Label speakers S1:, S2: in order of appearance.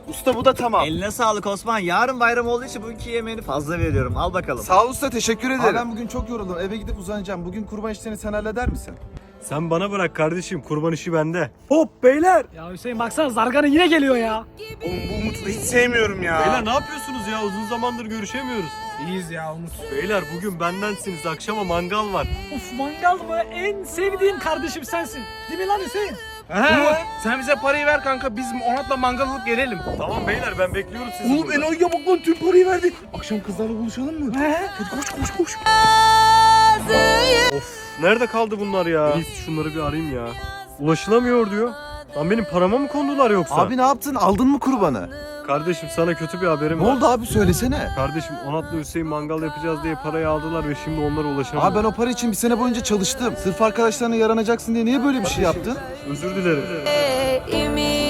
S1: Usta bu da tamam.
S2: Eline sağlık Osman. Yarın bayram olduğu için bugünkü yemeğini fazla veriyorum. Al bakalım.
S1: Sağ ol usta, teşekkür ederim.
S3: Abi ben bugün çok yoruldum. Eve gidip uzanacağım. Bugün kurban işlerini sen halleder misin?
S4: Sen bana bırak kardeşim, kurban işi bende. Hop beyler.
S5: Ya Hüseyin baksana Zargan'ın yine geliyor ya.
S1: Oğlum bu Umut'u da hiç sevmiyorum ya.
S4: Beyler ne yapıyorsunuz ya? Uzun zamandır görüşemiyoruz.
S3: İyiyiz ya Umut.
S4: Beyler bugün bendensiniz. Akşama mangal var.
S5: Of mangal mı? En sevdiğim kardeşim sensin. Değil mi lan Hüseyin?
S1: Umut sen bize parayı ver kanka, biz Onat'la mangal alıp gelelim.
S4: Tamam beyler, ben bekliyorum sizi
S1: Oğlum
S4: burada.
S1: Eloy'a bak lan, tüm parayı verdi. Akşam kızlarla buluşalım mı? Hadi koş.
S4: Of, nerede kaldı bunlar ya? Biz şunları bir arayayım ya. Ulaşılamıyor diyor. Lan benim parama mı kondular yoksa?
S3: Abi ne yaptın? Aldın mı kurbanı?
S4: Kardeşim sana kötü bir haberim
S3: Ne
S4: var.
S3: oldu abi, söylesene.
S4: Kardeşim Onat'la Hüseyin mangal yapacağız diye parayı aldılar ve şimdi onlara ulaşamıyorum.
S3: Abi ben o para için bir sene boyunca çalıştım. Sırf arkadaşlarına yaranacaksın diye niye böyle bir şey yaptın?
S4: Özür dilerim.
S6: Ümit